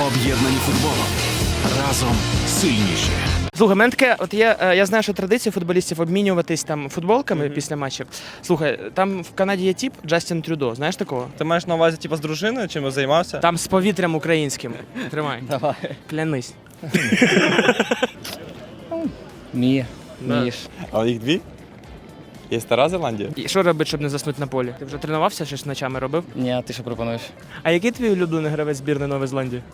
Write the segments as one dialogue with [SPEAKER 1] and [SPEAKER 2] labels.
[SPEAKER 1] Об'єднані футболом. Разом сильніші.
[SPEAKER 2] Слухай, мене таке, от я знаю, що традиція футболістів обмінюватись там футболками після матчів. Слухай, там в Канаді є тип Джастін Трюдо, знаєш такого?
[SPEAKER 3] Ти маєш на увазі типу, з дружиною, чим займався?
[SPEAKER 2] Там з повітрям українським. Тримай.
[SPEAKER 3] Давай.
[SPEAKER 2] Клянись.
[SPEAKER 3] Міш. А їх дві? Є Стара Зеландія?
[SPEAKER 2] І що робити, щоб не заснути на полі? Ти вже тренувався, щось ночами робив?
[SPEAKER 4] Ні, а ти що пропонуєш?
[SPEAKER 2] А який твій улюблений гравець збірної Нової Зеландії?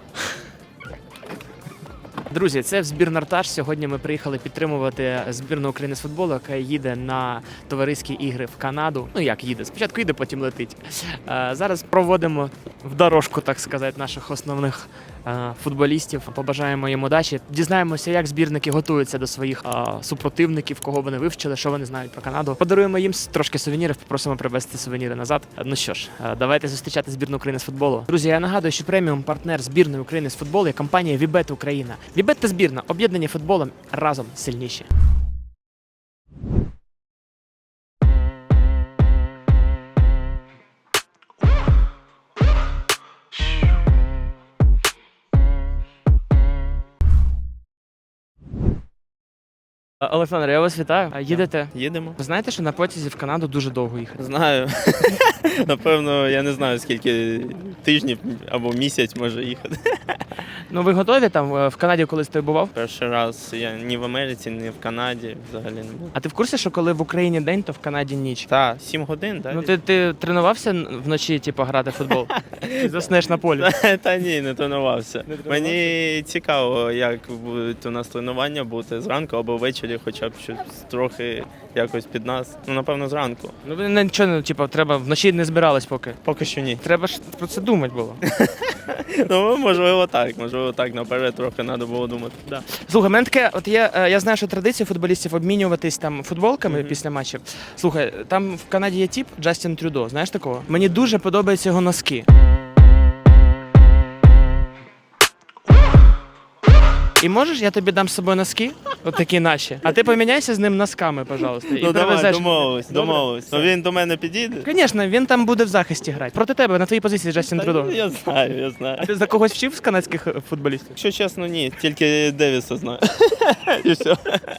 [SPEAKER 2] Друзі, це збір Нартаж. Сьогодні ми приїхали підтримувати збірну України з футболу, яка їде на товариські ігри в Канаду. Ну як їде? Спочатку їде, потім летить. Зараз проводимо в дорожку, так сказати, наших основних футболістів. Побажаємо їм удачі. Дізнаємося, як збірники готуються до своїх супротивників, кого вони вивчили, що вони знають про Канаду. Подаруємо їм трошки сувенірів, попросимо привезти сувеніри назад. Ну що ж, давайте зустрічати збірну України з футболу. Друзі, я нагадую, що преміум партнер збірної України з футболу є компанія Вібет Україна. Вібет та збірна, об'єднані футболом, разом сильніші. Олександр, я вас вітаю. Їдете?
[SPEAKER 3] Їдемо.
[SPEAKER 2] Ви знаєте, що на потязі в Канаду дуже довго їхати?
[SPEAKER 3] Знаю. Напевно, я не знаю, скільки тижнів або місяць може їхати.
[SPEAKER 2] Ну ви готові там в Канаді колись ти бував?
[SPEAKER 3] Перший раз я ні в Америці, ні в Канаді взагалі не був.
[SPEAKER 2] А ти в курсі, що коли в Україні день, то в Канаді ніч?
[SPEAKER 3] Так, 7 годин, так?
[SPEAKER 2] Ну ти тренувався вночі, типу, грати в футбол? Ти заснеш на полі?
[SPEAKER 3] Та ні, не тренувався. Мені цікаво, як будуть у нас тренування бути зранку або ввечері, хоча б щось трохи якось під нас. Ну, напевно, зранку.
[SPEAKER 2] Ну ви нічого, типу, треба вночі не збирались поки.
[SPEAKER 3] Поки що ні.
[SPEAKER 2] Треба ж про це думати було.
[SPEAKER 3] Ну, можливо, так. Наперед трохи треба було думати.
[SPEAKER 2] Да. Слухай, мене таке, от я знаю, що традиція футболістів обмінюватись там футболками після матчів. Слухай, там в Канаді є тип Джастін Трюдо, знаєш такого? Мені дуже подобаються його носки. І можеш, я тобі дам з собою носки, от такі наші, а ти поміняйся з ним носками, пожалуйста. І
[SPEAKER 3] Ну давай,
[SPEAKER 2] привезеш.
[SPEAKER 3] домовились. Ну він до мене підійде?
[SPEAKER 2] Звісно, він там буде в захисті грати. Проти тебе, на твоїй позиції Джастін Трюдо.
[SPEAKER 3] Я знаю.
[SPEAKER 2] А ти за когось вчив з канадських футболістів?
[SPEAKER 3] Якщо чесно, ні, тільки Девіса знаю. І все.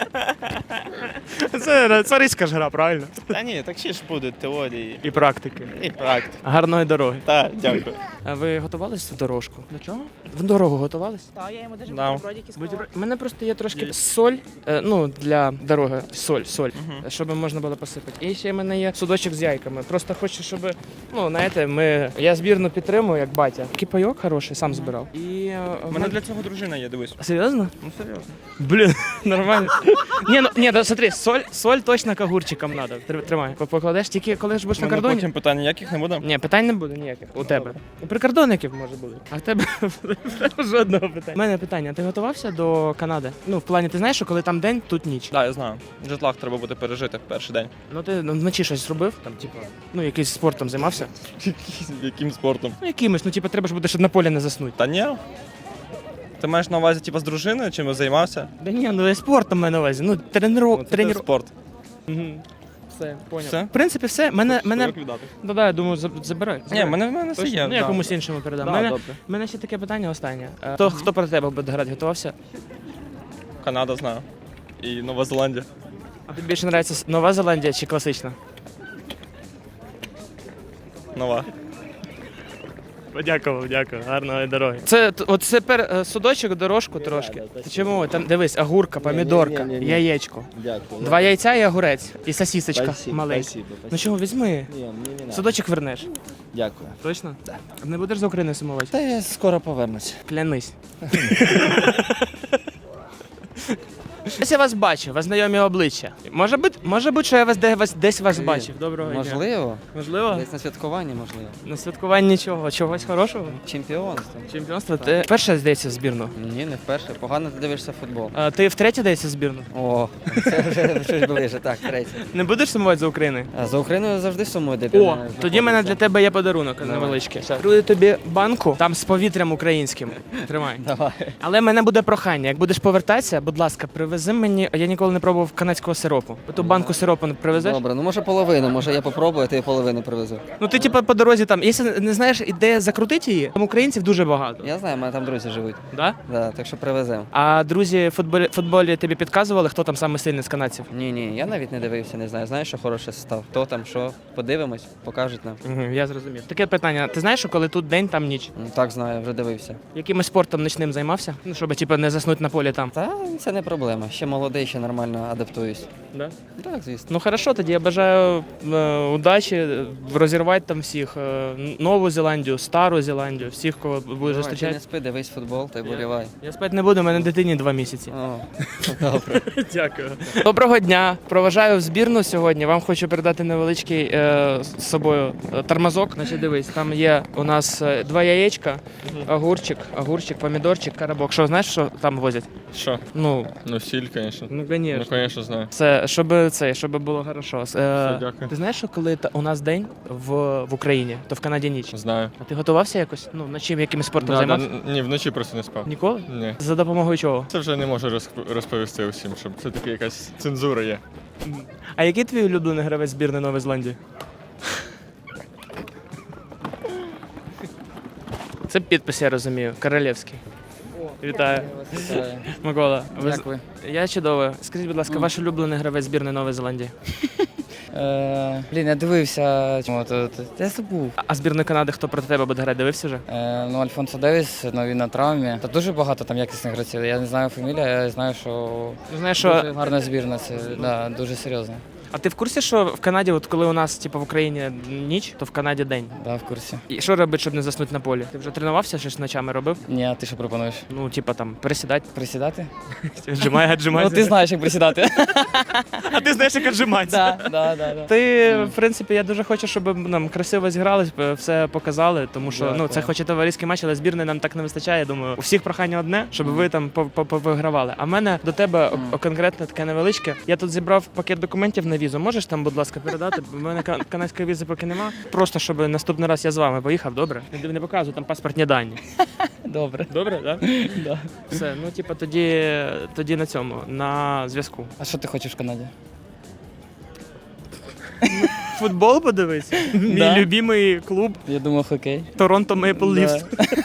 [SPEAKER 2] Це цариська ж гра, правильно?
[SPEAKER 3] Та ні, так ще ж будуть теорії
[SPEAKER 2] І практики.
[SPEAKER 3] і практика.
[SPEAKER 2] Гарної дороги.
[SPEAKER 3] Так, дякую.
[SPEAKER 2] А ви готувались в дорожку? До чого? В дорогу готувались?
[SPEAKER 5] Так, я йому даже
[SPEAKER 3] Да.
[SPEAKER 5] бутербродики склала.
[SPEAKER 2] У мене просто є трошки соль, ну, для дороги, соль, щоб можна було посипати. І ще в мене є судочок з яйками. Просто хочу, щоб, ну, знаєте, я збірну підтримую, як батя. Кипайок хороший, сам збирав. І
[SPEAKER 3] У мене для цього дружина є, дивись.
[SPEAKER 2] Серйозно?
[SPEAKER 3] Ну серйозно.
[SPEAKER 2] Блін, нормально. Ні, да, смотри, соль точно к огурчикам надо. Тримай. Покладеш тільки, коли ж будеш на кордоні?
[SPEAKER 3] Потім питань ніяких не буде?
[SPEAKER 2] Ні, питань не буде ніяких. У тебе. У прикордонників може бути. А в тебе жодного питання. У мене питання. Ти готувався до Канади? Ну, в плані, ти знаєш, що коли там день, тут ніч.
[SPEAKER 3] Так, я знаю. Джетлаг треба буде пережити в перший день.
[SPEAKER 2] Ну ти вночі щось робив? Там, типу, ну, якийсь спортом займався?
[SPEAKER 3] Яким спортом?
[SPEAKER 2] Ну, якимось, ну, типу, треба ж буде, щоб на полі не заснути.
[SPEAKER 3] Та ні. Ти маєш на увазі типу, з дружиною, чим займався?
[SPEAKER 2] Да ні, ну я спортом маю на увазі. Ну,
[SPEAKER 3] Це спорт.
[SPEAKER 2] Все, поняв.
[SPEAKER 3] Все?
[SPEAKER 2] В принципі, все. Мене...
[SPEAKER 3] віддати?
[SPEAKER 2] Да, я думаю, забирай.
[SPEAKER 3] Ні, мене все є.
[SPEAKER 2] Ну, я
[SPEAKER 3] да.
[SPEAKER 2] комусь іншому передам.
[SPEAKER 3] Да,
[SPEAKER 2] Мене,
[SPEAKER 3] добре.
[SPEAKER 2] мене ще таке питання останнє. Хто проти тебе буде грати? Готувався?
[SPEAKER 3] Канада знаю. І Нова Зеландія.
[SPEAKER 2] А тобі більше подобається Нова Зеландія чи класична?
[SPEAKER 3] Нова.
[SPEAKER 2] Подякував, дякую. Гарної дороги. Це тепер судочок, дорожку трошки. Чому? Там дивись, огурка, помідорка, яєчко.
[SPEAKER 6] Дякую.
[SPEAKER 2] 2 яйця і огурець. І сосісочка
[SPEAKER 6] Спасибо,
[SPEAKER 2] маленька.
[SPEAKER 6] спасибо,
[SPEAKER 2] Ну
[SPEAKER 6] спасибо.
[SPEAKER 2] чого, візьми.
[SPEAKER 6] Ні, мені не надо.
[SPEAKER 2] Судочок вернеш.
[SPEAKER 6] Дякую.
[SPEAKER 2] Точно? Так. Не будеш за Україною сумувати?
[SPEAKER 6] Та я скоро повернусь.
[SPEAKER 2] Клянись. Ось я вас бачу, вас знайомі обличчя. Може бути, що я десь вас бачив. Доброго дня.
[SPEAKER 4] Можливо.
[SPEAKER 2] Можливо?
[SPEAKER 4] Десь на святкуванні, можливо.
[SPEAKER 2] На святкуванні чого? Чогось хорошого?
[SPEAKER 4] Чемпіонство.
[SPEAKER 2] Чемпіонство? Ти вперше здається в збірну?
[SPEAKER 4] Ні, не вперше. Погано ти дивишся футбол.
[SPEAKER 2] А ти втретє здається в збірну?
[SPEAKER 4] О, це вже щось ближе. Так, третє.
[SPEAKER 2] Не будеш сумувати за Україною?
[SPEAKER 4] А за Україною завжди сумую, де
[SPEAKER 2] О, тоді в мене для тебе є подарунок невеличкий. Дарую тобі банку, там з повітрям українським. Тримай.
[SPEAKER 4] Давай.
[SPEAKER 2] Але в мене буде прохання, як будеш повертатися, будь ласка, привези привези мені, я ніколи не пробував канадського сиропу. Ту банку сиропу не привезеш?
[SPEAKER 4] Добре, ну може половину, може я попробую, а ти половину привезу.
[SPEAKER 2] Ну ти типу по дорозі там, якщо не знаєш, де закрутити її, там українців дуже багато.
[SPEAKER 4] Я знаю, в мене там друзі живуть.
[SPEAKER 2] Да?
[SPEAKER 4] Да, так що привеземо.
[SPEAKER 2] А друзі в футболі тобі підказували, хто там саме сильний з канадців?
[SPEAKER 4] Ні, я навіть не дивився, не знаю. Знаєш, що хороше став? Хто там, що? Подивимось, покажуть нам.
[SPEAKER 2] Угу, я зрозумів. Таке питання. Ти знаєш, що коли тут день, там ніч?
[SPEAKER 4] Ну, так знаю, вже дивився.
[SPEAKER 2] Якимось спортом нічним займався? Ну, щоб типу, не заснути на полі там.
[SPEAKER 4] Та це не проблема. Ще молодий, ще нормально адаптуюсь.
[SPEAKER 2] Да?
[SPEAKER 4] Так, звісно.
[SPEAKER 2] Ну хорошо, тоді я бажаю удачі, розірвати там всіх. Нову Зеландію, Стару Зеландію, всіх, кого будеш
[SPEAKER 4] Давай, ти
[SPEAKER 2] зустрічати.
[SPEAKER 4] не спи, дивись футбол, та й болівай.
[SPEAKER 2] Я спати не буду, у мене дитині 2 місяці.
[SPEAKER 4] О, добре.
[SPEAKER 2] Дякую. Доброго дня. Проважаю в збірну сьогодні. Вам хочу передати невеличкий з собою тормозок. Значить, дивись, там є у нас 2 яєчка, огурчик, помідорчик, карабок. Що, знаєш, що там возять?
[SPEAKER 5] Що?
[SPEAKER 2] Ну,
[SPEAKER 5] Ну, сіль, звісно.
[SPEAKER 2] ну,
[SPEAKER 5] Ну,
[SPEAKER 2] звісно.
[SPEAKER 5] звісно, знаю.
[SPEAKER 2] Це, щоб було хорошо.
[SPEAKER 5] дякую.
[SPEAKER 2] Ти знаєш, що коли у нас день в Україні, то в Канаді ніч?
[SPEAKER 5] Знаю.
[SPEAKER 2] А ти готувався якось? Ну, над чим, яким спортом
[SPEAKER 5] Да,
[SPEAKER 2] займався?
[SPEAKER 5] ні, вночі просто не спав.
[SPEAKER 2] Ніколи?
[SPEAKER 5] Ні.
[SPEAKER 2] За допомогою чого?
[SPEAKER 5] Це вже не можу розповісти усім, щоб це таки якась цензура є.
[SPEAKER 2] А який твій улюблений гравець збірної Нової Зеландії? Це підпис, я розумію. Королевський. Вітаю. Микола.
[SPEAKER 4] Дякую.
[SPEAKER 2] Я чудово. Скажіть, будь ласка, ваш улюблений гравець збірної Нової Зеландії?
[SPEAKER 7] Блін, я дивився. Я забув.
[SPEAKER 2] А збірної Канади хто проти тебе буде грати? Дивився вже?
[SPEAKER 7] Ну, Альфонсо Девіс, ну він на травмі. Та дуже багато там якісних гравців. Я не знаю фамілію, я знаю, що
[SPEAKER 2] Ну, знаєш,
[SPEAKER 7] дуже
[SPEAKER 2] що...
[SPEAKER 7] гарна збірна. Це да, дуже серйозно.
[SPEAKER 2] А ти в курсі, що в Канаді, от коли у нас типу, в Україні ніч, то в Канаді день?
[SPEAKER 7] Да, в курсі.
[SPEAKER 2] І що робити, щоб не заснути на полі? Ти вже тренувався, щось ночами робив?
[SPEAKER 7] Ні, а ти що пропонуєш?
[SPEAKER 2] Ну, типа там, присідати.
[SPEAKER 7] Присідати?
[SPEAKER 2] Віджимай.
[SPEAKER 7] Ну, ти знаєш, як присідати.
[SPEAKER 2] А ти знаєш, як віджиматися.
[SPEAKER 7] Да.
[SPEAKER 2] Ти, в принципі, я дуже хочу, щоб нам красиво зіграли, все показали, тому що ну, це хоч і товариський матч, але збірної нам так не вистачає. Думаю, у всіх прохання одне, щоб ви там повигравали. А в мене до тебе конкретно таке невеличке. Я тут зібрав пакет документів на візу. Можеш там, будь ласка, передати? Бо в мене канадської візи поки нема. Просто щоб наступний раз я з вами поїхав, добре? Не показую там паспортні дані.
[SPEAKER 7] Добре.
[SPEAKER 2] Добре, так?
[SPEAKER 7] Да.
[SPEAKER 2] Все, ну типа тоді на цьому, на зв'язку.
[SPEAKER 7] А що ти хочеш в Канаді?
[SPEAKER 2] Футбол подивитися? Мій
[SPEAKER 7] Да.
[SPEAKER 2] любимий клуб
[SPEAKER 7] Я думав, хокей.
[SPEAKER 2] Торонто Мейпл Лівс.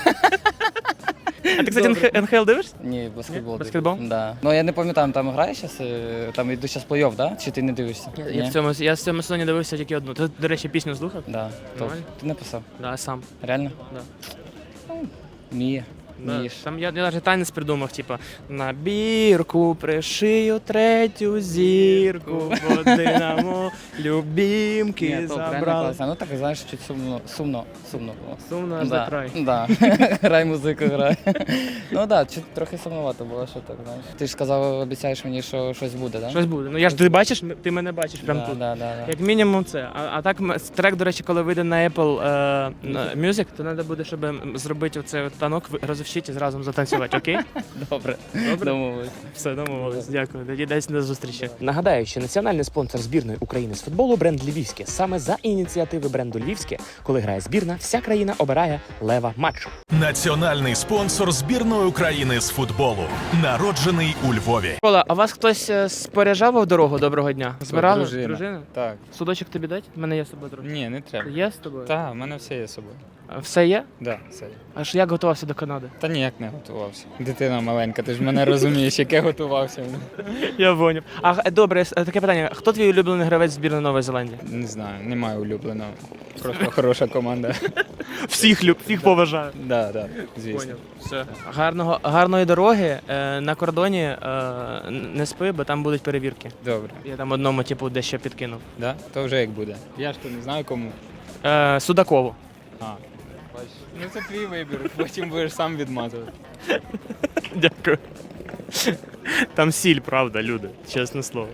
[SPEAKER 2] А ти, кстати, НХЛ дивишся?
[SPEAKER 7] Ні, баскетбол.
[SPEAKER 2] Ні? Баскетбол?
[SPEAKER 7] Да. Ну, я не пам'ятаю, там грає зараз, там йдуть зараз плей-офф, да? Чи ти не дивишся?
[SPEAKER 2] Я в цьому сезоні дивився тільки одну. Ти, до речі, пісню слухав?
[SPEAKER 7] Да.
[SPEAKER 2] Нормально?
[SPEAKER 7] Ти написав?
[SPEAKER 2] Да, сам.
[SPEAKER 7] Реально?
[SPEAKER 2] Да.
[SPEAKER 7] Вміє.
[SPEAKER 2] Да.
[SPEAKER 7] Вмієш.
[SPEAKER 2] Там я навіть танець придумав, типа на бірку пришию 3-ю зірку, бо динамо любімки
[SPEAKER 7] Ні, то реально
[SPEAKER 2] забрали.
[SPEAKER 7] класно. Ну так, знаєш, чуть сумно було.
[SPEAKER 2] Сумно аж
[SPEAKER 7] Да.
[SPEAKER 2] за край.
[SPEAKER 7] Да. Грай музику, грай. Ну так, чуть трохи сумновато було, що так, знаєш. Ти ж сказав, обіцяєш мені, що щось буде, так?
[SPEAKER 2] Щось буде. Ну я ж ти бачиш, ти мене бачиш прямо тут.
[SPEAKER 7] Да.
[SPEAKER 2] Як мінімум це. А так трек, до речі, коли вийде на Apple Music, то треба буде, щоб зробити оцей от танок, розовщити і зразу затанцювати, окей?
[SPEAKER 7] Добре.
[SPEAKER 2] Добре?
[SPEAKER 7] Домовились.
[SPEAKER 2] Все, домовились. Дякую. Тоді десь до зустрічі.
[SPEAKER 8] Нагадаю, що національний спонсор збірної України з футболу бренд Львівське. Саме за ініціативи бренду Львівське, коли грає збірна, вся країна обирає лева матчу.
[SPEAKER 1] Національний спонсор збірної України з футболу. Народжений у Львові.
[SPEAKER 2] Кола, а вас хтось споряджав в дорогу? Доброго дня. Збирали?
[SPEAKER 9] дружина. Так.
[SPEAKER 2] Судочок тобі дать? У мене є з собою трохи.
[SPEAKER 9] Ні, не треба.
[SPEAKER 2] Є з тобою?
[SPEAKER 9] Так, в мене все є з собою.
[SPEAKER 2] А все є?
[SPEAKER 9] Да, все є.
[SPEAKER 2] А ж як готувався до Канади?
[SPEAKER 9] Та ніяк не готувався. Дитина маленька, ти ж мене розумієш, яке готувався.
[SPEAKER 2] Я поняв. А добре, таке питання. Хто твій улюблений гравець збірної Нової Зеландії?
[SPEAKER 9] Не знаю, немає улюбленого. Просто хороша команда.
[SPEAKER 2] Всіх поважаю.
[SPEAKER 9] Да, звісно.
[SPEAKER 2] Поняв. Все. Гарної дороги. На кордоні не спи, бо там будуть перевірки.
[SPEAKER 9] Добре.
[SPEAKER 2] Я там одному типу дещо підкинув.
[SPEAKER 9] Да? То вже як буде. Я ж то не знаю кому.
[SPEAKER 2] Судакову.
[SPEAKER 9] А. Бачиш. Ну це твій вибір, потім будеш сам відмазувати.
[SPEAKER 2] Дякую. Там сіль, правда, люди, чесне слово.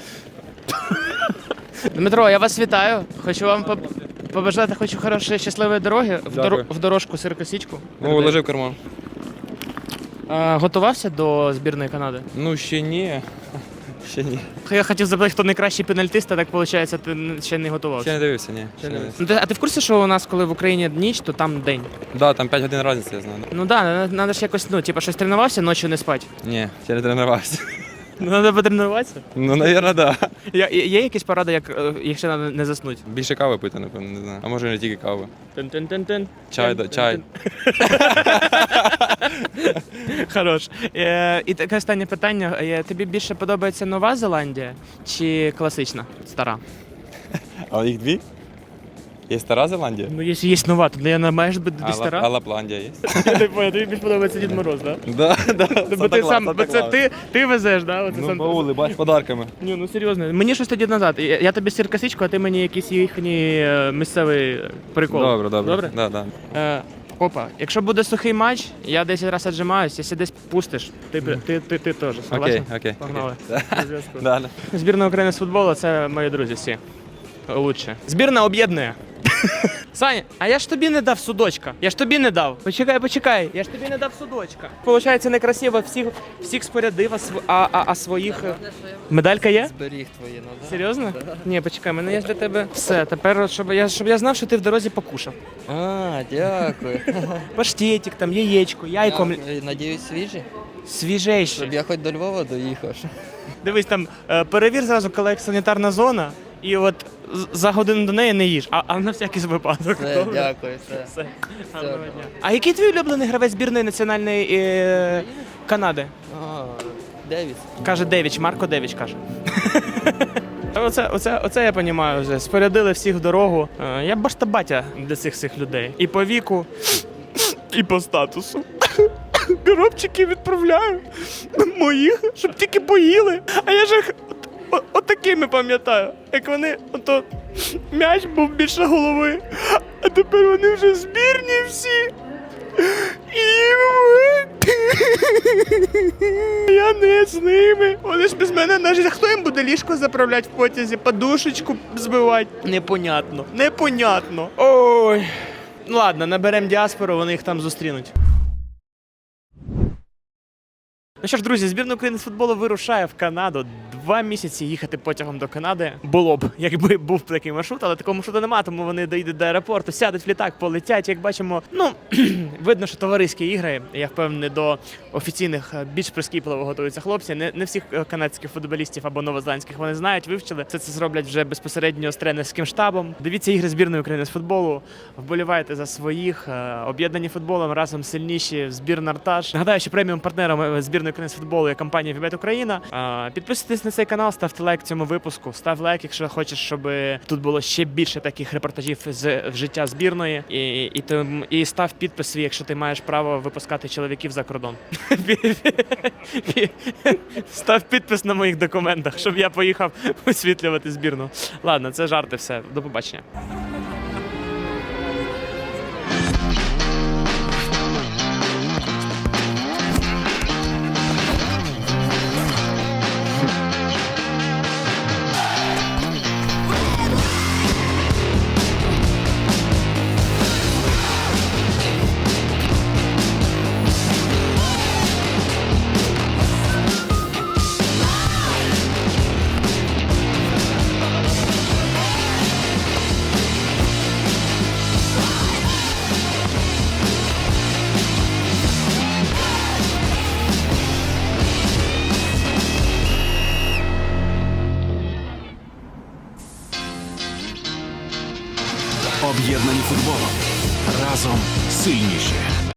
[SPEAKER 2] Дмитро, я вас вітаю. Хочу вам побажати хорошої, щасливої дороги в дорожку сиркосічку.
[SPEAKER 10] Ложи в карман.
[SPEAKER 2] Готувався до збірної Канади?
[SPEAKER 10] Ну, ще ні. Ще ні.
[SPEAKER 2] Я хотів запитати, хто найкращий пенальтист, а так виходить, ти ще не готувався.
[SPEAKER 10] Ще не дивився, ні. Ще не дивився.
[SPEAKER 2] Ну, а ти в курсі, що у нас, коли в Україні ніч, то там день?
[SPEAKER 10] Да, там 5 годин різниця, я знаю.
[SPEAKER 2] Ну так, треба ж якось, щось тренувався, ночі не спати.
[SPEAKER 10] Ні, ще не тренувався.
[SPEAKER 2] Ну, треба потренуватися.
[SPEAKER 10] Ну, навірно, да.
[SPEAKER 2] Є якісь поради, якщо треба не заснути?
[SPEAKER 10] Більше кави пити, напевно, не знаю. А може не тільки кави.
[SPEAKER 2] Тин-тин-тин-тин.
[SPEAKER 10] Чай, да, чай.
[SPEAKER 2] Хорош. І таке останнє питання. Тобі більше подобається Нова Зеландія чи класична, стара?
[SPEAKER 10] А їх дві? Є Стара Зеландія?
[SPEAKER 2] Ну, якщо є нова, то я не маєш бути
[SPEAKER 10] А
[SPEAKER 2] стара.
[SPEAKER 10] Лапландія є?
[SPEAKER 2] Я не понял, тобі більше подобається Дід Мороз, так?
[SPEAKER 10] Да, да.
[SPEAKER 2] Бо ти сам, бо це ти везеш, да? Оце
[SPEAKER 10] Ну,
[SPEAKER 2] сам.
[SPEAKER 10] баули, бач, подарками.
[SPEAKER 2] Ні, ну серйозно. Мені щось тоді назад. Я тобі сир косичку, а ти мені якийсь їхній місцевий прикол.
[SPEAKER 10] Добре, добре.
[SPEAKER 2] Добре?
[SPEAKER 10] Да, да.
[SPEAKER 2] Опа, якщо буде сухий матч, я 10 разів віджимаюсь, якщо десь пустиш, ти теж. Согласен?
[SPEAKER 10] Окей.
[SPEAKER 2] Погнали. До зв'язку.
[SPEAKER 10] Да.
[SPEAKER 2] Збірна України з футболу це мої друзі всі. Лучше. Збірна об'єднує. Саня, а я ж тобі не дав судочка. Я ж тобі не дав. Почекай. Я ж тобі не дав судочка. Получається некрасиво, всіх спорядив, а своїх... Медалька є?
[SPEAKER 4] Зберіг твої, ну да.
[SPEAKER 2] Серйозно? Ні, почекай, мене є для тебе. Все, тепер, щоб я знав, що ти в дорозі покушав.
[SPEAKER 4] А, дякую.
[SPEAKER 2] Паштетик, там, яєчко, яйко.
[SPEAKER 4] Дякую. Надіюсь, свіжі?
[SPEAKER 2] Свіжейший.
[SPEAKER 4] Щоб я хоч до Львова доїхав.
[SPEAKER 2] Дивись, там, перевір зразу, коли як санітарна зона, і от за годину до неї не їж, а на всякий випадок.
[SPEAKER 4] Все,
[SPEAKER 2] Добре?
[SPEAKER 4] дякую, все.
[SPEAKER 2] Все. Гарного дня. А який твій улюблений гравець збірної національної Канади?
[SPEAKER 4] А, Девіс.
[SPEAKER 2] Каже Девіч, Марко Девіч каже. Оце я розумію вже. Спорядили всіх в дорогу. Я баштабатя для цих всіх людей. І по віку, і по статусу. Коробчики відправляю моїх, щоб тільки поїли. А я ж їх отакими пам'ятаю. Як вони, ото м'яч був більше голови, а тепер вони вже збірні всі. І я не з ними. Вони ж без мене навіть. Хто їм буде ліжко заправляти в потязі, подушечку збивати? Непонятно. Ой. Ну ладно, наберемо діаспору, вони їх там зустрінуть. Ну що ж, друзі, збірна України з футболу вирушає в Канаду. 2 місяці їхати потягом до Канади було б, якби був такий маршрут, але такого маршруту немає, тому вони доїдуть до аеропорту, сядуть в літак, полетять. Як бачимо, видно, що товариські ігри. Я впевнений, до офіційних більш прискіпливо готуються хлопці. Не всіх канадських футболістів або новозеландських вони знають, вивчили. Це зроблять вже безпосередньо з тренерським штабом. Дивіться ігри збірної України з футболу, вболівайте за своїх, об'єднані футболом, разом сильніші, збірна Артаж. Нагадаю, що преміум партнером збірної України з футболу є компанія Вібет Україна. Підписуйтесь на цей канал, ставте лайк цьому випуску, став лайк, якщо хочеш, щоб тут було ще більше таких репортажів з життя збірної. І став підпис свій, якщо ти маєш право випускати чоловіків за кордон. Став підпис на моїх документах, щоб я поїхав висвітлювати збірну. Ладно, це жарти, все. До побачення.
[SPEAKER 1] Об'єднані футболом. Разом сильніші.